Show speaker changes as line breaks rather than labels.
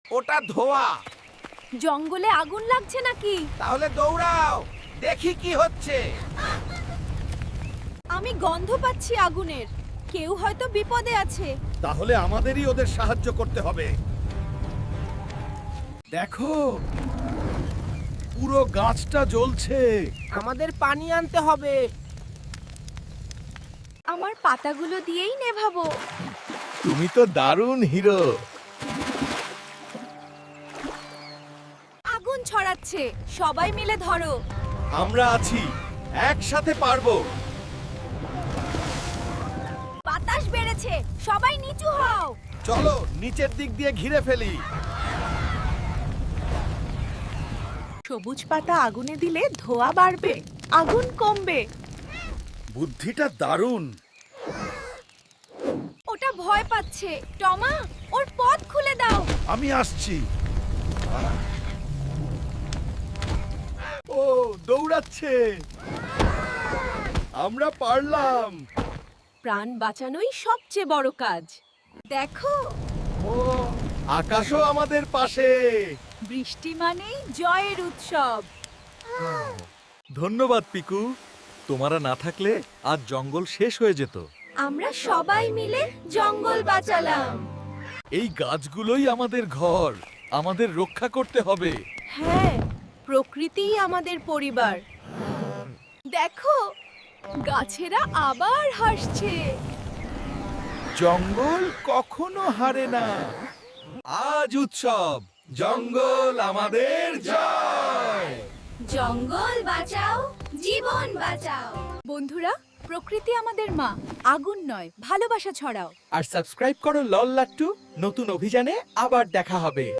ওটা ধোঁয়া।
জঙ্গলে আগুন লাগছে নাকি?
তাহলে দৌড়াও, দেখি কি হচ্ছে।
আমি গন্ধ পাচ্ছি আগুনের। কেউ হয়তো বিপদে আছে।
তাহলে আমাদেরই ওদের সাহায্য করতে হবে। দেখো, পুরো গাছটা জ্বলছে।
আমাদের পানি আনতে হবে।
আমার পাতাগুলো দিয়েই নেভাবো।
তুমি তো দারুণ হিরো।
আগুন ছড়াচ্ছে, সবাই মিলে ধরো।
আমরা আছি, একসাথে পারবো।
বাতাস বেড়েছে, সবাই নিচু হও।
চলো নিচের দিক দিয়ে ঘিরে ফেলি।
সবুজ পাতা আগুনে দিলে ধোঁয়া বাড়বে, আগুন কমবে।
বুদ্ধিটা দারুণ।
ওটা ভয় পাচ্ছে। টমা, ওর পথ খুলে দাও।
আমি আসছি। ও দৌড়াচ্ছে। আমরা পারলাম।
প্রাণ বাঁচানোই সবচেয়ে বড় কাজ। দেখো,
ও আকাশও আমাদের পাশে।
বৃষ্টি মানেই জয়ের উৎসব।
ধন্যবাদ পিকু, তোমারা না থাকলে আজ জঙ্গল শেষ হয়ে যেত।
আমরা সবাই মিলে জঙ্গল বাঁচালাম।
এই গাছগুলোই আমাদের ঘর, আমাদের রক্ষা করতে হবে।
হ্যাঁ, প্রকৃতিই আমাদের পরিবার। দেখো, গাছেরা আবার হাসছে।
জঙ্গল কখনো হারে না। আজ উৎসব, জঙ্গল আমাদের জয়।
জঙ্গল বাঁচাও, জীবন বাঁচাও। বন্ধুরা, প্রকৃতি আমাদের মা। আগুন নয়, ভালোবাসা ছড়াও।
আর সাবস্ক্রাইব করো লল লাট্টু। নতুন অভিযানে আবার দেখা হবে।